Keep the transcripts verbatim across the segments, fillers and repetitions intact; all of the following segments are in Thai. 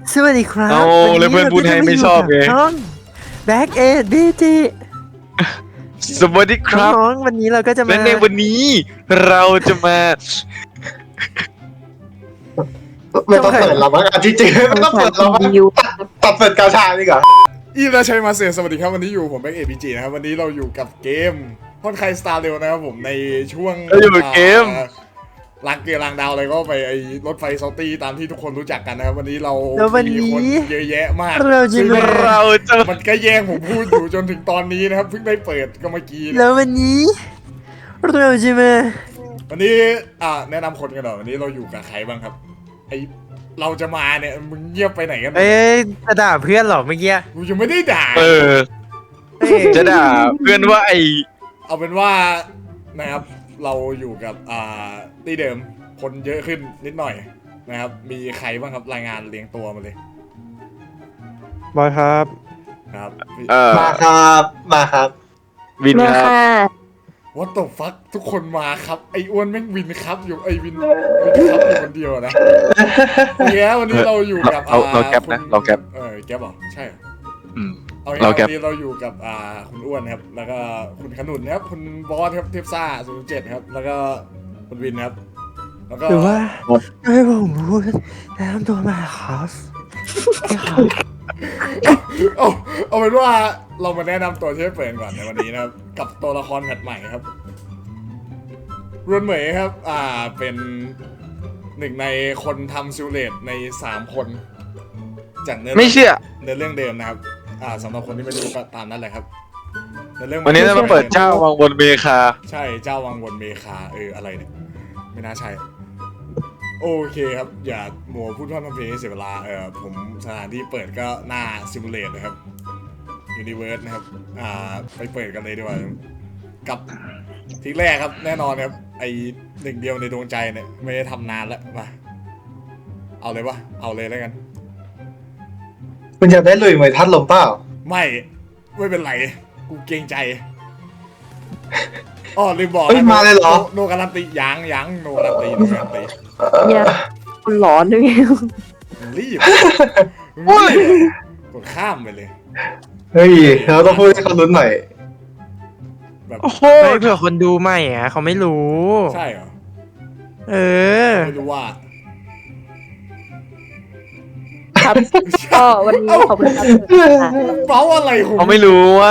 สวัสดีครับเอาเลยเพื่อนพูดให้ไม่ชอบไงน้องแบ็กเอ็ดบีจีสวัสดีครับน้องวันนี้เราก็จะมาและในวันนี้เราจะมาไม่ต้องเปิดเราบ้างอ่ะจริงๆไม่ต้องเปิดเราบ้างตัดเปิดกาชาดีกว่าอีราชัยมาเสียสวัสดีครับวันนี้อยู่ผมแบ็กเอพีจีนะครับวันนี้เราอยู่กับเกมฮอนไคสตาร์เร็วนะครับผมในช่วงเราอยู่กับเกมอ่าลักเกียร์ลางดาวอะไรก็ไปไอ้รถไฟซอลตี้ตามที่ทุกคนรู้จักกันนะครับวันนี้เราแล้ววันมีนี้คนเยอะแยะมากเราจะซึ่งมาเราจะมันก็แย่งผมพูดอยู่จนถึงตอนนี้นะครับเพิ่งได้เปิดก็เมื่อกี้นะแล้ววันนี้เราจะมาวันนี้อ่าแนะนำคนกันหน่อยวันนี้เราอยู่กับใครบ้างครับไอเราจะมาเนี่ยมึงเงียบไปไหนกันเอ้ยจะด่าเพื่อนเหรอเมื่อกี้กูยังไม่ได้ด่าเออเอ้ยจะด่าเพื่อนว่าไอเอาเป็นว่านะครับเราอยู่กับอ่าที่เดิมคนเยอะขึ้นนิดหน่อยนะครับมีใครบ้างครับรายงานเรียงตัวมาเลยบอยครับครับเออมาครับมาครับวินครับวัตถุฟักทุกคนมาครับไอ้อ้วนแม่งวินครับอยู่ไอ้วินวินครับอยู่คนเดียวนะโอเคครับวันนี้เราอยู่กับเราเราแก๊ปนะคุณเราแก๊ปเออแก๊ปเหรอใช่เหรออืมเอางี้เราวันแก๊ปนี้เราอยู่กับอ่าคุณอ้วนครับแล้วก็คุณขนุนนะครับคุณบอสครับเทพซ่าศูนย์เจ็ดครับแล้วก็คุณวินครับแล้วก็หรือว่าให้ผมพูดแนะนำตัวมาครับครับเอาเอาเป็นว่าเรามาแนะนำตัวที่เปิดก่อนในวันนี้นะครับ กับตัวละครแพทใหม่ครับรวนเหมยครับ อ่าเป็นหนึ่งในคนทำซิลเลตในสามคนจากเนื้อไม่เชื่อเนื้อเรื่องเดิมนะครับ อ่าสำหรับคนที่ไม่รู้ก็ตามนั้นแหละครับเนื้อเรื่องวันนี้เรามาเปิดเจ้าวังบนเมคาใช่เจ้าวังวนเมคาเอออะไรเนี่ยไม่น่าใช่โอเคครับอย่าหมัวพูดพร่ำทำเพลงให้เสียเวลาเออผมสถานที่เปิดก็หน้าซิมูเลตนะครับ ยูนิเวิร์สนะครับ อ่า ไปเปิดกันเลยดีกว่า กับทีแรกครับ แน่นอนครับ ไอหนึ่งเดียวในดวงใจเนี่ย ไม่ได้ทำนานแล้ว มา เอาเลยวะ เอาเลยแล้วกันคุณจะได้ลุยเหมือนทัดลมเปล่าไม่ ไม่เป็นไร กูเกรงใจอ๋อลืมบอกเฮ้ยนะมาเลยเหรอโนโนการันตียังยังโนการันตีโนการันตีเนี่ยคนหลอนด้วยไงมึงรีบมึงรีบกดข้ามไปเลยเฮ้ยเราต้องพูดให้เขาลุ้นหน่อยแบบโอ้โหไม่เผื่อคนดูใหม่อ่ะเขาไม่รู้ใช่เหรอเออไม่รู้ว่าครับก็วันนี้ขอบคุณครับค่ะเบ้าอะไรของเขาไม่รู้ว่า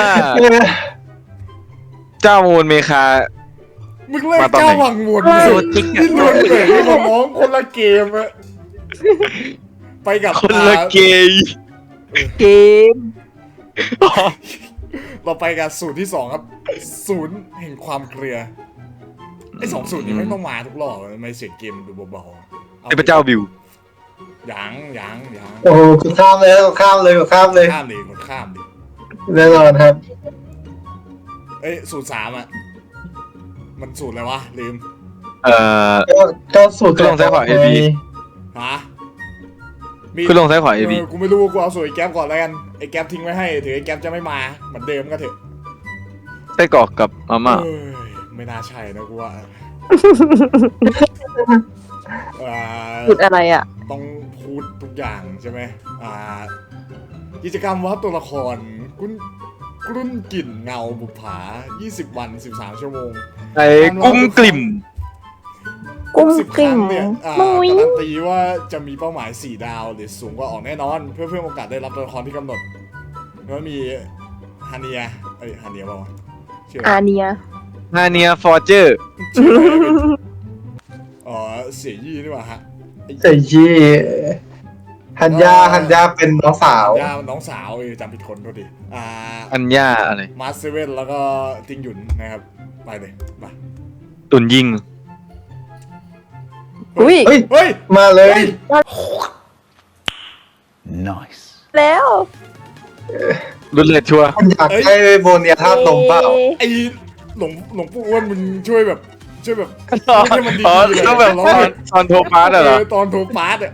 เจ้าวังบนเมคามึงเล่นมาตอนไหนเจ้าวังวนโซติกอะนี่ล้วนเลยนี่ของน้องคนละเกมอะไปกับคนละเกย์เกมเราไปกับสูตรที่สองครับ ศูนย์แห่งความเกลือไอ้สองสูตรนี้ไม่ต้องมาทุกรอบทำไมเสียงเกมมันดูเบาๆไอพระเจ้าบิวยังยังยังโอ้โหกดข้ามเลยกดข้ามเลยกดข้ามเลยข้ามดิกดข้ามดิแน่นอนครับเอ้ยสูตรสามอะมันสูตรอะไรวะลืมเอ่อก็ก็สูตรก็ลองใช้ขวา เอ บีฮะมีขึ้นลงซ้ายขวา เอ บีเออกูไม่รู้กูเอาสูตรไอ้แก๊ปก่อนแล้วกันไอ้แก๊ปทิ้งไว้ให้ถือไอ้แก๊ปจะไม่มาเหมือนเดิมก็เถอะไส้กรอกกับมาม่าเอ้ยไม่น่าใช่นะกูว่าอ่าพูดอะไรอ่ะต้องพูดทุกอย่างใช่ไหมอ่ากิจกรรมวัดตัวละครกุ้นกรุ่นกลิ่นเงาบุปผายี่สิบวันสิบสามชั่วโมงไอ้กุ้งกลิ่มกุ้งสิบคกลิ่รั้มงเนี่ยอ่ามุ้ยการันตีว่าจะมีเป้าหมายสี่ดาวหรือสูงกว่าออกแน่นอน เพื่อเพิ่มโอกาสได้รับตัวละครที่กำหนดแล้วมีฮาเนียเอ้ยฮาเนียเปล่าวะชื่ออะไรอาเนียฮาเนียฟอร์เจอร์ชื่ออะไรเป็นอ๋อเสียยี่นี่หว่าฮะไอ้ใส่ยี่ฮันยาฮันยาเป็นน้องสาวย่าน้องสาวเออจำผิดคนโทษดีอ่าอัญญาอะไรมาสเซเว่นแล้วก็ติงหยุนนะครับไปเลยไปตุนยิงอุ้ยเฮ้ยเฮ้ยมาเลยเฮ้ยแล้วรุนเลดชัวร์คุณอยากได้โบเนียทัดลมเปล่าไอ้หลวงหลวงปู่อ้วนมึงช่วยแบบ ช่วยแบบไม่ให้มันดีอ๋อๆเลยต้องแบบตอนตอนโทรพาร์ตเหรอตอนโทรพาร์ตอะ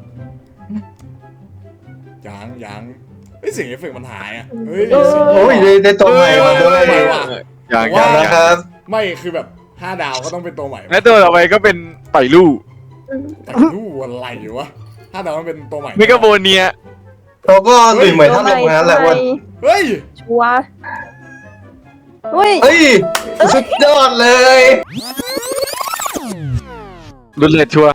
ยังยังเฮ้ยเสียงเอฟเฟกต์มันหายอะเฮ้ยเสียงโอ้ยได้ได้ตัวใหม่มาด้วยใหม่ว่ะอย่างว่าอย่างนะครับไม่คือแบบห้าดาวก็ต้องเป็นตัวใหม่และตัวต่อไปก็เป็นต่อยลู่แต่รู้อะไรวะถ้าแต่ว่ามันเป็นตัวใหม่เมกาโบเนียเขาก็หลุยเหมือนท่านลงนั้นแหละวันเฮ้ยชัวร์เฮ้ยเฮ้ยสุดยอดเลยรุ่นเลดชัวร์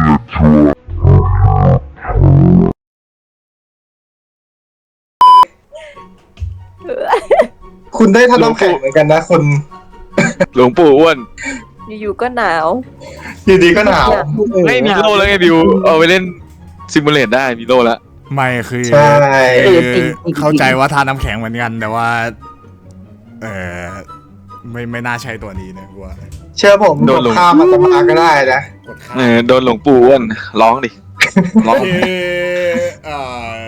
คุณได้ท่านน้ำแข็งเหมือนกันนะคุณหลวงปู่อ้วนอยู่ๆก็หนาวอยู่ดีก็หนาวไม่มีโล่แล้วไงบิวเอาไปเล่นซิมูเลตได้มีโล่แล้วไม่คือใช่คือเข้าใจว่าทานน้ำแข็งเหมือนกันแต่ว่า เออไม่ไม่น่าใช่ตัวนี้นะกูว่าเชื่อผมโดนข้ามมาตมาก็ได้นะกดข้าเออโดนหลวงปู่อ้วนร้องดิร้องโอเคเอ่อ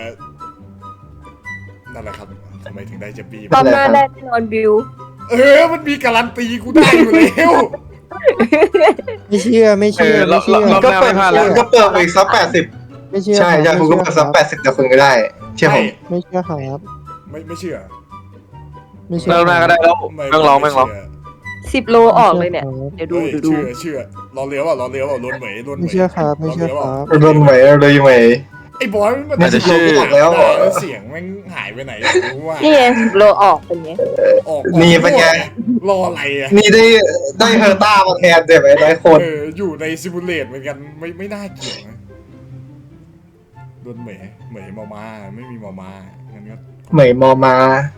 นั่นแหละครับทำไมถึงได้เจปี้ตอนหน้าแรกแน่นอนบิวเออมันมีการันตีกูได้อยู่แล้วไม่เชื่อไม่เอเชื่ออรไม่อบเชื่อรอบหน้าไม่พลาดแล้วคุณก็เปิดไปอีกสักแปดสิบไม่เชื่อใช่ใช่คุณก็เปิดสักแปดสิบเดี๋ยวคุณก็ได้ เชื่อผมไม่เชื่อครับไม่ไม่เชื่อไม่เชื่อรอบหน้าก็ได้แล้วไม่แม่งร้องแม่งร้องไเชื่สิบโลออกเลยเนี่ย เดี๋ยวดูเฮ้ยเดี๋ยวดูเชื่อเชื่อรอเลี้ยวอ่ะรอเลี้ยวอ่ะล้นเหมยล้นเหมไม่ยเชื่อครับไม่เชื่อครับโดนไหมเลยไหมไอ้บอยมันอาจจะชื่อหายไปไหนแล้วเสียงแม่งหายไปไหนอยากรู้ว่านี่ไงสิบโลออกเป็นไงออกนี่เป็นไงรออะไรอ่ะนี่ได้ได้เฮอร์ต้ามาแทนเดี๋ยวไหมหลายคนเอออยู่ในซิมูเลตเหมือนกันไม่ไม่น่าเกี่ยวนะโดนเหมยเหมยมามาไม่มีมามางั้นก็เหมยมอมา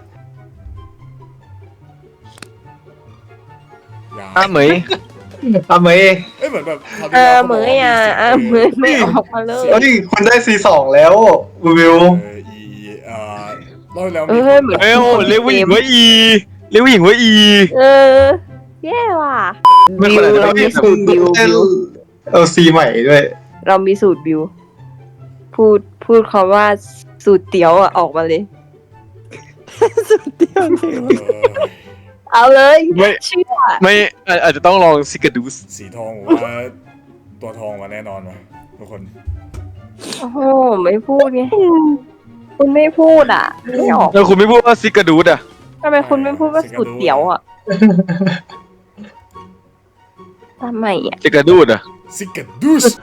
อย่าอ้าเหมยอ่ะเหมยเอ้ยเหมือนแบบคราวเอที่อแล้วเหมยอ่ะเออเหมยไม่ออกมาเลยเฮ้ยคุณได้ซีสองแล้ววิวเอออีเอ่อรอบที่แล้วเอมีอเหมือนเอ้ยโอ้เรียกผู้หญิงว่าอีเรียกผู้หญิงว่าอีเออแย่ว่ะไม่บิคนวละเรามีสูตรบิวเล่นบิวเอาซีใหม่ด้วยเรามีสูตรบิว พูดพูดคำว่าสูตรเตี๋ยวอ่ะออกมาเลยเออเอาเลยไม่เชื่อไม่อาอาจจะต้องลองซิกาดูสสีทองผมว่าตัวทองมาแน่นอนว่ะทุกคนโอ้โหไม่พูดไงคุณไม่พูดอ่ะไม่ออกแล้วคุณไม่พูดว่าซิกาดูสอ่ะทำไมคุณไม่พูดว่าสูตรเตี๋ยวอ่ะทำไมอ่ะซิกาดูสอ่ะซิกาดูส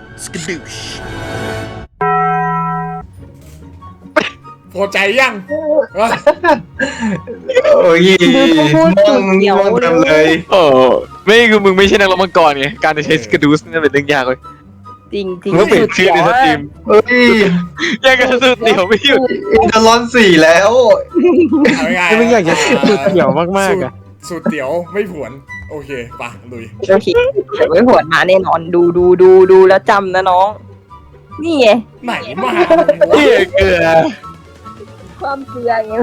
พอใจยังวะโอ้ยดูต้องพูดสูตรเตี๋ยวม่วงเต็มเลยโอ้ไม่คือมึงไม่ใช่นักร้องมังกรไงการจะใช้ซิกาดูสนี่เป็นเรื่องยากเลยจริงจริงมึงต้องเปลี่ยนชื่อในสตรีมเฮ้ยแย่งกันสุดเดี่ยวไม่หยุดอินเตอร์ลอนสี่แล้วเอาง่ายๆไม่อยากจะสูตรเดี่ยวมากๆอ่ะสูตรเตี๋ยวไม่ผวน โอเคปะลุยโอเคเดี๋ยวไม่หวดมาแน่นอนดูดูดูดูแล้วจำนะน้อง นี่ไงไหนมาเหี้ยเกลือความเกลือไง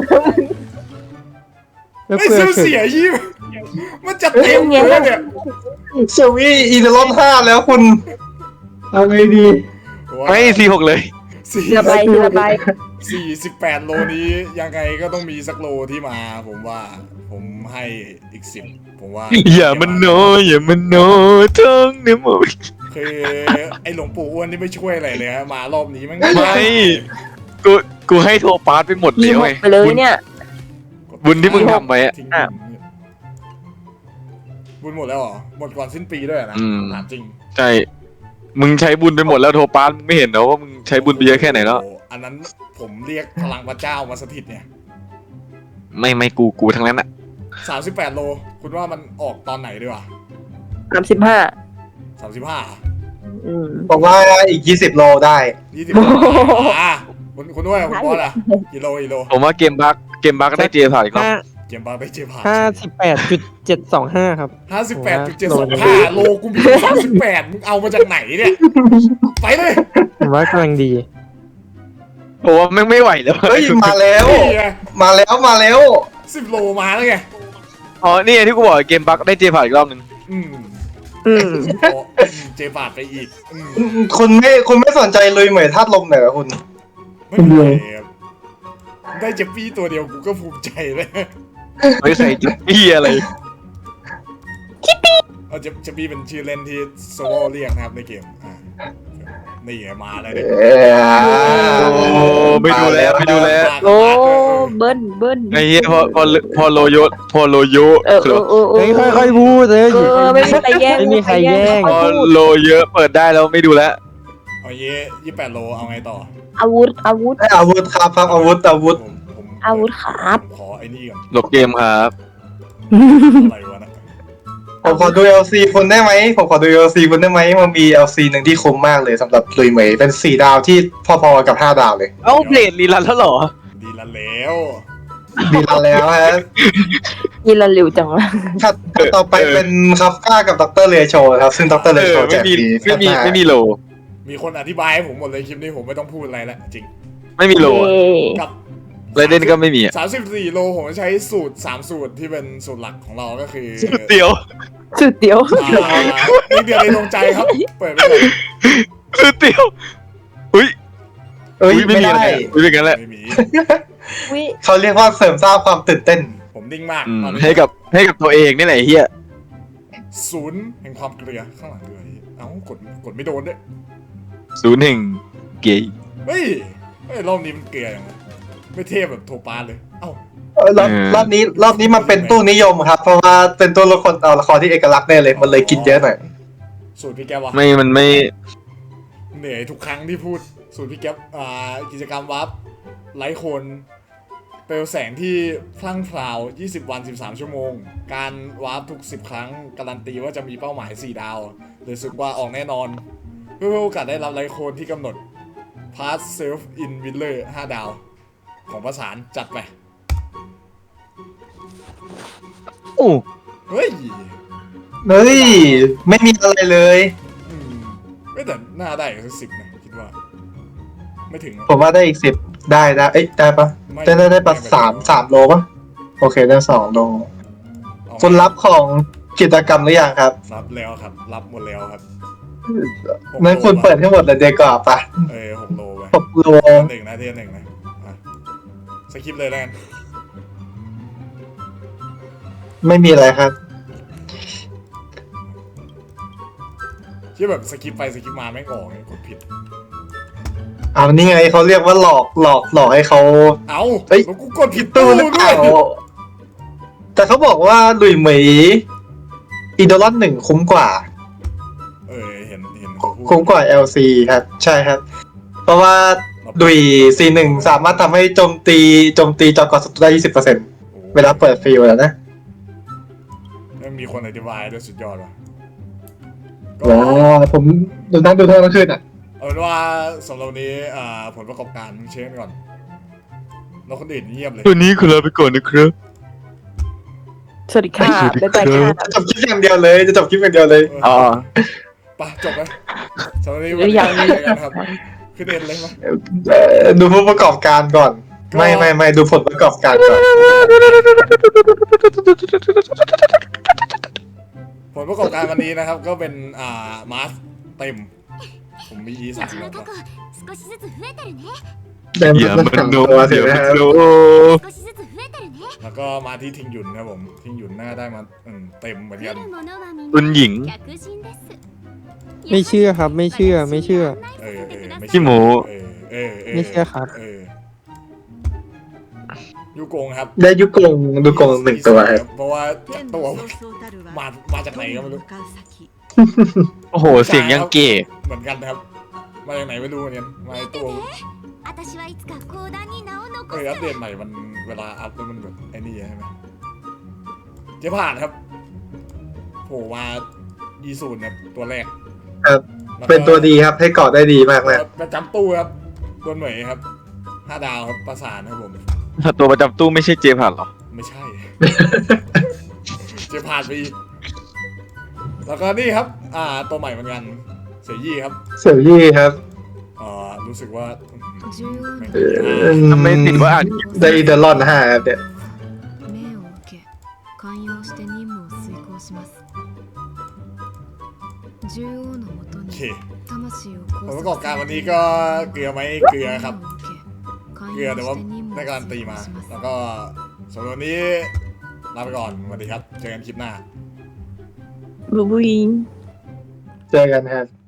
แล้วไอ้เพื่อเสื้อเฉเสียยยี่มันจะเต็มเลยเนี่ยเชวี่อินเตอร์ลอนห้าแล้วคุณเอาไงดีไม่ซีหกเลยสี่ทีละใบทีละใบสี่สิบแปดโลนี้ยังไงก็ต้องมีสักโลที่มา ผมว่า ผมให้อีกสิบผมว่าอย่ามันโนอย่ามันโนท้องเนี่ยหมดคือไอ้หลวงปู่อ้วนที่ไม่ช่วยอะไรเลยฮะมารอบนี้มันไม่กูกูให้โทรปาร์ตไปหมดมีแล้วหกไงไปเลยเนี่ยบุญที่มึงทำไว้อะทิ้งอ้าวบุญหมดแล้วเหรอหมดก่อนสิ้นปีด้วยนะถามจริงใช่มึงใช้บุญไปหมดแล้วโทรปาร์ตมึงไม่เห็นเหรอว่ามึงใช้บุญไปเยอะแค่ไหนแล้วโอ้โอันนั้นผมเรียกพลังพระเจ้ามาสถิตเนี่ยไม่ไม่กูกูทั้งนั้นอะสามสิบแปดโล คุณว่ามันออกตอนไหนดีวะสามสิบห้าสามสิบห้าอืมบอกว่าอีกยี่สิบโลได้ยี่สิบอ่ะคุณคุณด้วยคุณบอสอ่ะกิโลกิโลผมว่าเกมบักเกมบักได้เจผ่านอีกรอบห้าเกมบาร์ไปเจผ่านห้าสิบแปดจุดเจ็ดสองห้าครับห้าสิบแปดจุดเจ็ดสองห้าโลกูมีสามสิบแปดมึงเอามาจากไหนเนี่ย ไปเลยผมว่ากำลังดีผมว่าแม่งไม่ไหวแล้วเฮ้ยมาแล้วนี่ไงมาแล้วมาแล้วสิบโลมาแล้วไงอ๋อนี่ไงที่กูบอกเกมบักได้เจผ่านอีกรอบหนึ่งอืมอืมโอ้อืมเจผ่านไปอีกอืมคุณไม่คุณไม่สนใจเลยเหมยธาตุลมเหรอคุณไม่เป็นไรครับได้เจปปี้ตัวเดียวกูก็ภูมิใจเลยเฮ้ยใส่จุดพี่อะไรเอาเจเจปปี้เป็นชื่อเล่นที่โซโลเรียกนะครับในเกมอ่านี่ไงมาแล้วเนี่ยเอ้ยโอ้ไม่ดูแล้วไม่ดูแล้วโอ้เบิ้ลเบิ้ลไอ้เหี้ยพอพอพอโลโยพอโลโยเออเออเออเอเฮ้ยอค่อยๆพูดเลยเออไม่มีใครแย่งไม่มีใครแย่งพอโลเยอะเปิดได้แล้วไม่ดูแล้วโเอาเย่ยี่แปดโลเอาไงต่ออาวุธอาวุธไอ้อาวุธครับครับอาวุธอาวุธผมผมอาวุธครับผมขอไอ้นี่ก่อนหลบเกมครับอะไรวะนะผมขอดู แอล ซี คุณได้ไหมผมขอดู แอล ซี คุณได้ไหมมันมี แอล ซี หนึ่งที่คุ้มมากเลยสำหรับลุยเหมยเป็นสี่ดาวที่พอๆกับห้าดาวเลยเอ้าเพลทรีรันแล้วเหรอดีละแล้วดีแล้วแล้วฮะยีละเร็วจังวะถัดต่อไปเป็นคาฟก้ากับดรเลโชครับซึ่งดรเลเอโชอแจไม่กมีฟรีไม่มีแค่หน้าไม่มีโลมีคนอธิบายให้ผมหมดเลยคลิปนี้ผมไม่ต้องพูดอะไรแล้วจริงไม่มีโลเย้กับไรเดนก็ไม่มีอ่ะสามสิบสี่โลผมใช้สูตรสามสูตรที่เป็นสูตรหลักของเราก็คือเดียวสุดเดียวอ่านี่เดียวในดวงใจครับ เปิดไปก่อนคือเดียวอุ้ยเอ้ยไม่ไม่มีอะไรได้อุ้ยเป็นกันแหละไม่มีวิเขาเรียกว่าเสริมสร้างความตื่นเต้นผมนิ่งมากอืมตอนนี้ให้กับให้กับตัวเองนี่แหละไอ้เฮียศูนย์แห่งความเกลียข้างหลังเลยเอ้ากดกดไม่โดนด้วยศูนย์แห่งเกย์เฮ้ยเฮ้ยรอบนี้มันเกลียอย่างไรไม่เทพแบบโทปาเลยเอ้าเออรอบรอบนี้รอบนี้มันเป็นตู้นิยมครับ เพราะว่าเป็นตัวละครเอาละครที่เอกลักษณ์แน่เลยมันเลยกินเยอะหน่อยสูตรพี่แกวะไม่มันไม่เหนื่อยทุกครั้งที่พูดสูตรพี่แก๊ปอ่ากิจกรรมวับไลท์โคนเปลวแสงที่พลั่งพราวยี่สิบวันสิบสามชั่วโมง การวาร์ปทุกสิบครั้งการันตีว่าจะมีเป้าหมายสี่ดาวเลยสึกว่าออกแน่นอน เพื่อโอกาสได้รับไลท์โคนที่กำหนด Pass Self in Willer ห้าดาว ของประสานจัดไปโอ้เฮ้ยเฮ้ยไม่มีอะไรเลยอืมไม่แต่หน้าได้สักสิบนะคิดว่า ไม่ถึงผมว่าได้อีกสิบได้ได้เอ้ยได้ปะไม่ได้ได้ได้ปะไม่สามสามโลปะโอเคได้สองโลเอาคุณรับของกิจกรรมหรือยังครับรับแล้วครับ รับหมดแล้วครับงั้นคุณเปิดให้หมดเลยเดียวก่อนปะเออหกโลไปหกโลหนึ่งนะเทียนหนึ่งนะอ่ะสคริปต์เลยแล้วกันไม่มีอะไรครับที่แบบสคริปต์ไปสคริปต์มาไม่งออกไงกดผิดเอานี่ไงเขาเรียกว่าหลอกหลอกหลอกให้เขาเอ้าเฮ้ยแล้วกูกดผิดตู้ตู้หรือเปด้วล่าย แต่เขาบอกว่าหลุยเหมยอีโดลอนหนึ่งคุ้มกว่าเออเห็นเห็นเขาพูดคุ้มกว่า แอล ซี ครับ ใช่ครับ เพราะว่าดุย ซี หนึ่ง สามารถทำให้โจมตีโจมตีจอกอศัตรูได้ ยี่สิบเปอร์เซ็นต์โอ้เวลาเปิดฟิลแล้วนะแล้วมีคนอธิบายด้วยสุดยอดว่ะก็ว้าวผมดูนั่งดูทั้งวันคืนอ่ะเอาเป็นว่าสำหรับวันนี้อ่าผลประกอบการมึงเช็คก่อนแล้วคนอื่นเงียบเลยตัวนี้คือลาไปก่อนนะครับสวัสดีค่ะสวัสดีครับบ๊ายบายค่ะจะจบคลิปอย่างเดียวเลย จะจบคลิปอย่างเดียวเลยอ๋อไปจบไหมสำหรับวันนี้วันนี้ยังไม่เจอกันครับขึ้นเอ็นเลยมั้ยเอ่อดูผู้ประกอบการก่อน ไม่ไม่ไม่ดูผลประกอบการก่อนผลประกอบการวันนี้นะครับ ก็เป็นอ่ามาสเต็ม ผมมี อี สามแล้ว少しずつ増えてるねเดินอย่ามามันสามโนตัวอสิย่านะมันครับโน少しずつ増えてるねแล้วก็มาที่ทิงหยุนครับผมทิงหยุนหน้าได้มาอืมเต็มเหมือน来กันるものはみんคุณหญิงな客人ですไม่เชื่อครับไม่เชื่อไม่เชื่อเออเออไม่ขี้หมูเออเออเออไม่เชื่อครับเออยูโกงครับได้ยุกงดูกงหนึ่งตัวครับเพราะว่าจากตัว มามาจากไหนก็ไม่รู้โอ้โห เสียงยังเก๋เหมือนกันนะครับ มาจากไหนไม่รู้เหมือนกันมาในตัว私はいつか講談に名をเอ残ออัปすเดตใหม่มันเวลาอัพแล้วมันแบบไอ้นี่ใช่ไหมเจ๊ผ่านครับโผล่มายีศูนย์ครับตัวแรกครับแล้วก็เป็นตัวดีครับ ให้เกาะได้ดีมากนะประจำตู้ครับตัวเหมยครับห้าดาวครับประสานครับผมตัวประจำตู้ไม่ใช่เจผ่านหรอไม่ใช่ เจ๊ผ่านไปอีกแล้วก็นี่ครับ อ่าตัวใหม่เหมือนกันเสียยี่ครับเสี่ยวยี่ครับอ่ารู้สึกว่าอืมแม่งเอดีมากอทำไมติดว่าอ่านได้อีเดลอนห้าครับเนี่ย命を受け寛容して任務を遂行します獣王のもとโอにเค魂をผลประกอบการวันนี้ก็เกลือไหมเกลือครับ เกลือแต่ว่าได้การันตีมา แล้วก็สำหรับวันนี้ลาไปก่อนสวัสดีครับ เจอกันคลิปหน้าบูบูยิงเจอกันครับ